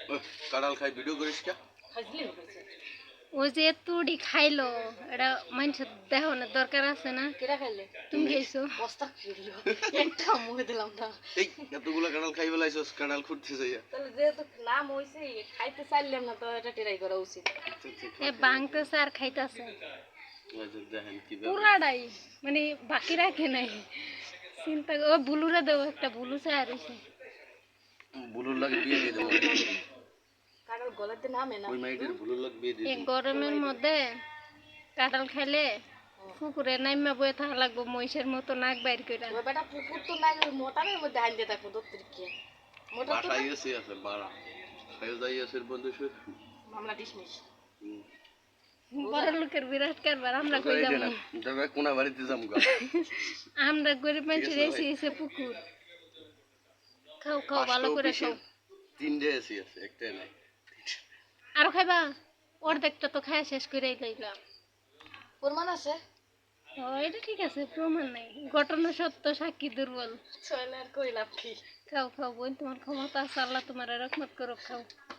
কাঁঠাল খাই ভিডিও করিস কে? ও যে তুড়ি খাইলো এটা মানুষের দেখানোর দরকার আছে না? কেডা খাইলে? তুমি খাইছো? বস্তা খেলো একটা মুখে দিলাম না। এই এতগুলো কাঁঠাল খাই বেলাইছস, কাঁঠাল খুঁড়তে যাইয়া। তাহলে যেহেতু নাম হইছে খাইতে চাইলাম না তো এটা ট্রাই করা উচিত। এ বাংতেছে আর খাইতেছে দেখেন কি পুরাটাই, মানে বাকি রাখে নাই। চিন্তা ও বুলুরে দেবো একটা, বুলু চায় আর বুলুর লাগে বিয়ে দিয়ে দেবো। কারোর গলাতে নামে না। ওই মাইটের বুলুর লাগে বিয়ে দিয়ে এই গরমের মধ্যে কাঁঠাল খাইলে পুকুরে নাইমা বয়ে থাকা লাগবো মহিষের মতো নাক বাইর করে। ওই বেটা পুকুর তো নাই, ওই মোটারের মধ্যে হাইন দিয়ে থাকবো দত্তর কি মোটা তো বাসায় এসে আছে বাড়া খাইও যাই আছে বন্ধু শুয়ে মামলা ডিসমিস। বড় লোকের বিরাট কারবার, আমরা কই যাবো? তবে কোনা বাড়িতে যাবো গা। আমরা গরিব মানুষের এসে এসে পুকুর খাও খাও ভালো করে খাও। তিনটে এসি আছে, একটাই নাই। আরো খাইবা? অর্ধেকটা তো খায় শেষ করে লইলাম। প্রমাণ আছে? ও এটা ঠিক আছে, প্রমাণ নাই, ঘটনা সত্য, সাক্ষী দুর্বল। ছয়লার কই লাভ কি? খাও খাও বোন, তোমার ক্ষমতা আছে, আল্লাহ তোমার রহমত করো, খাও।